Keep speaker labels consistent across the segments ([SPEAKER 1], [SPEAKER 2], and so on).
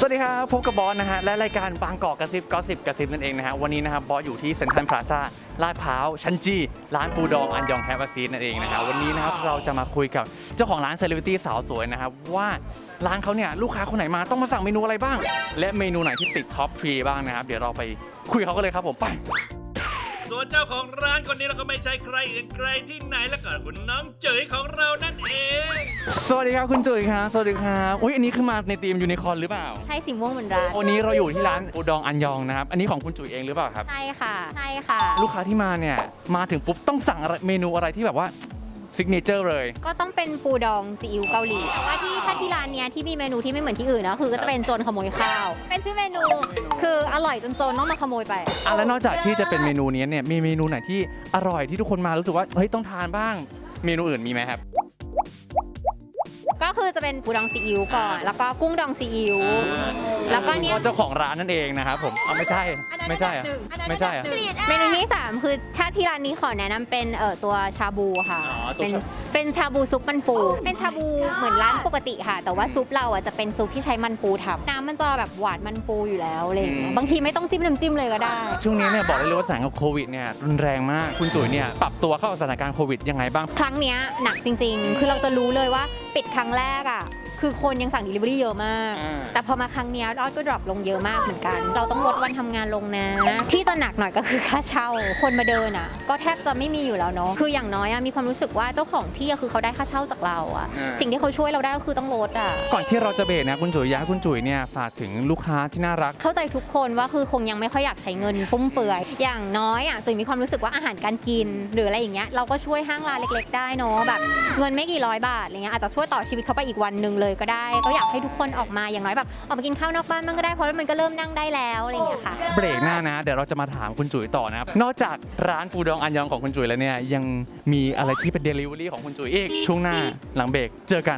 [SPEAKER 1] สวัสดีครับพบกับบอสนะฮะและรายการบางกอกกระซิบก็สิบกระซิบนั่นเองนะฮะวันนี้นะครับบอสอยู่ที่เซ็นทรัลพลาซ่าลาดพร้าวชั้นจีร้านปูดองอันยองแฮปปี้ซีนั่นเองนะฮะวันนี้นะครับเราจะมาคุยกับเจ้าของร้านเซเลบริตี้สาวสวยนะครับว่าร้านเขาเนี่ยลูกค้าคนไหนมาต้องมาสั่งเมนูอะไรบ้างและเมนูไหนที่ติดท็อปทรีบ้างนะครับเดี๋ยวเราไปคุยกับเขากันเลยครับผมไป
[SPEAKER 2] ส่วนเจ้าของร้านคนนี้เราก็ไม่ใช่ใครอื่นไกลที่ไหนแล้วก็คุณน้องเจ๋ยของเรานั่นเอง
[SPEAKER 1] สวัสดีครับคุณจุ๋ยครับสวัสดีครับอุ้ยอันนี้คือมาในทีมยูนิคอร์นหรือเปล่า
[SPEAKER 3] ใช่สีม่วงเหมือนร้าน
[SPEAKER 1] วันนี้เราอยู่ที่ร้านปูดองอันยองนะครับอันนี้ของคุณจุ๋ยเองหรือเปล่าครับ
[SPEAKER 3] ใช่ค่ะใช่ค่ะ
[SPEAKER 1] ลูกค้าที่มาเนี่ยมาถึงปุ๊บต้องสั่งเมนูอะไรที่แบบว่าซิกเนเจอร์เลย
[SPEAKER 3] ก็ต้องเป็นปูดองซีอิ๊วเกาหลีแต่ว่าถ้าที่ร้านเนี้ยที่มีเมนูที่ไม่เหมือนที่อื่นนะคือก็จะเป็นโจรขโมยข้าวเป็นชื่อเมนูคืออร่อยจนโจรต้องมาขโมยไป
[SPEAKER 1] แล้วนอกจากที่จะเป็นเมนูนี้เนี่ยมีเมนูไหนที่อร่อยที่ทุกคนมารู้สึกว่าเฮ้ยต้องทานบ้างเมนูอื่นมีไหมครับ
[SPEAKER 3] ก็คือจะเป็นปูดองซีอิ๊วก่อนแล้วก็กุ้งดองซีอิ๊วแล้วก็เนี่ย
[SPEAKER 1] เจ้าของร้านนั่นเองนะครับผมไม่ใช่ไม่ใช่ไม่ใช่
[SPEAKER 3] เมนูที่3คือถ้าที่ร้านนี้ขอแนะนำเป็นตัวชาบูค่ะเป็นชาบูซุปมันปูเป็นชาบูเหมือนร้านปกติค่ะแต่ว่าซุปเราอ่ะจะเป็นซุปที่ใช้มันปูทำน้ำมันจะแบบหวานมันปูอยู่แล้วอะไรอย่างเงี้ยบางทีไม่ต้องจิ้มน้ำจิ้มเลยก็ได้
[SPEAKER 1] ช่วงนี้เนี่ยบอกได้เลยว่าสถานการณ์โควิดเนี่ยรุนแรงมากคุณจุ๋ยเนี่ยปรับตัวเข้ากับสถานการณ์โควิดยังไงบ้าง
[SPEAKER 3] ครั้งนี้หนักจริงๆคือเราจะรู้เลยว่าปิดครั้งแรกอ่ะคือคนยังสั่ง delivery เยอะมากแต่พอมาครั้งนี้ยอดก็ดรอปลงเยอะมากเหมือนกันเราต้องลดวันทำงานลงนะที่จะหนักหน่อยก็คือค่าเช่าคนมาเดินอ่ะก็แทบจะไม่มีอยู่แล้วเนาะคืออย่างน้อยมีความรู้สึกว่าเจ้าของที่คือเขาได้ค่าเช่าจากเราอ่ะสิ่งที่เขาช่วยเราได้ก็คือต้องลดอ่ะ
[SPEAKER 1] ก่อนที่เราจะเบรกนะคุณจุ๋ยอยากให้คุณจุ๋ยเนี่ยฝากถึงลูกค้าที่น่ารัก
[SPEAKER 3] เข้าใจทุกคนว่าคือคงยังไม่ค่อยอยากใช้เงินฟุ่มเฟือยอย่างน้อยจุ๋ยมีความรู้สึกว่าอาหารการกินหรืออะไรอย่างเงี้ยเราก็ช่วยห้างร้านเล็กๆได้เนาะแบบเงินไม่กี่ร้อยบาทอะไรเงี้ยอาจจะช่วยต่อชีวิตเขาไปอีกวันนึงเลยก็ได้ก็อยากให้ทุกคนออกมาอย่างน้อยแบบออกมากินข้าวนอกบ้านมันก็ได้เพราะมันก็เริ่มนั่งได้แล้วอะไรอย่างเงี้ยค่ะ
[SPEAKER 1] เบรกหน้านะเดี๋ยวเราจะมาถามคุณจุ๋ยต่อนะครับนอกจากร้านปูดองอันยองของคุณจุ๋ยแล้วเนี่ยยังมีอะไรที่เป็น delivery ของคุณจุ๋ยอีกช่วงหน้าหลังเบรกเจอกัน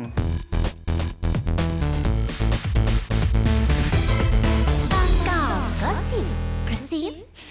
[SPEAKER 4] บางกอกก็สิบกระซิ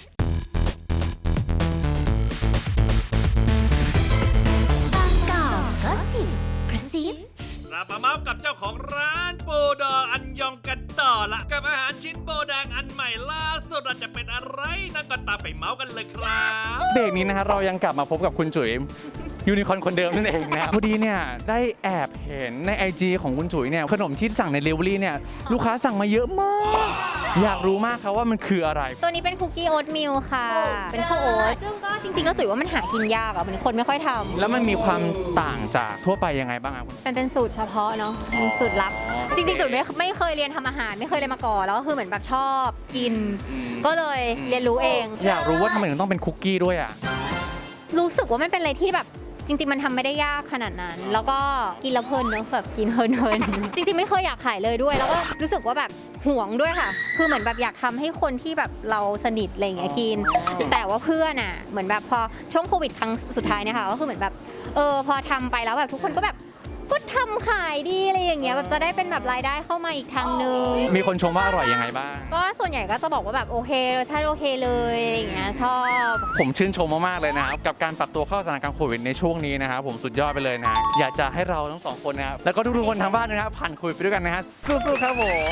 [SPEAKER 4] บางกอกก็สิบกระซิบ
[SPEAKER 2] เรามาเมาส์กับเจ้าของร้านปูดองอันยองกันต่อละกับอาหารชิ้นโบแดงอันใหม่ล่าสุดเราจะเป็นอะไรนั่นก็ตามไปเมาส์กันเลยครับ
[SPEAKER 1] เบรกนี้นะครับเรายังกลับมาพบกับคุณจุ๋ยยูนิคอร์นคนเดิมนั่นเองนะพอดีเนี่ยได้แอบเห็นใน IG ของคุณจุ๋ยเนี่ยขนมที่สั่งใน delivery เนี่ยลูกค้าสั่งมาเยอะมากอยากรู้มากครับว่ามันคืออะไร
[SPEAKER 3] ตัวนี้เป็นคุกกี้โอ๊ตมิลค่ะเป็นข้าวโอ๊ตซึ่งก็จริงๆแล้วจุ๋ยว่ามันหากินยากเหมือนคนไม่ค่อยทำ
[SPEAKER 1] แล้วมันมีความต่างจากทั่วไปยังไงบ้างครับ
[SPEAKER 3] เป็นสูตรเฉพาะเนาะเป็นสูตรลับจริงๆจุ๋ยไม่เคยเรียนทำอาหารไม่เคยเรียนมาก่อนแล้วก็คือเหมือนแบบชอบกินก็เลยเรียนรู้เอง
[SPEAKER 1] อยากรู้ว่าทำไมถึงต้องเป็นคุกกี้ด้วย
[SPEAKER 3] รู้สึกว่ามันเป็นอะไรที่แบบจริงๆมันทำไม่ได้ยากขนาดนั้นแล้วก็กินแล้วเพลินเนอะแบบกินเพลินจริงๆไม่เคยอยากขายเลยด้วยแล้วก็รู้สึกว่าแบบห่วงด้วยค่ะคือเหมือนแบบอยากทำให้คนที่แบบเราสนิทอะไรอย่างเงี้ยกินแต่ว่าเพื่อนเหมือนแบบพอช่วงโควิดครั้งสุดท้ายเนี่ยค่ะก็คือเหมือนแบบพอทำไปแล้วแบบทุกคนก็แบบก็ทำขายดีอะไรอย่างเงี้ยแบบจะได้เป็นแบบรายได้เข้ามาอีกทางนึง
[SPEAKER 1] มีคนชมว่าอร่อยยังไงบ้าง
[SPEAKER 3] ก็ส่วนใหญ่ก็จะบอกว่าแบบโอเครสชาติโอเคเลยอะไรอย่างเงี้ยชอบ
[SPEAKER 1] ผมชื่นชมมากๆเลยนะครับกับการปรับตัวเข้าสถานการณ์โควิดในช่วงนี้นะครับผมสุดยอดไปเลยนะอยากจะให้เราทั้งสองคนนะครับแล้วก็ทุกๆคนทางบ้านนะครับผ่านโควิดไปด้วยกันนะฮะสู้ๆครับผม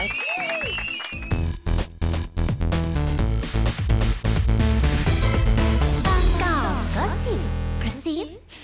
[SPEAKER 4] บางกอกก็สิบกระซิบ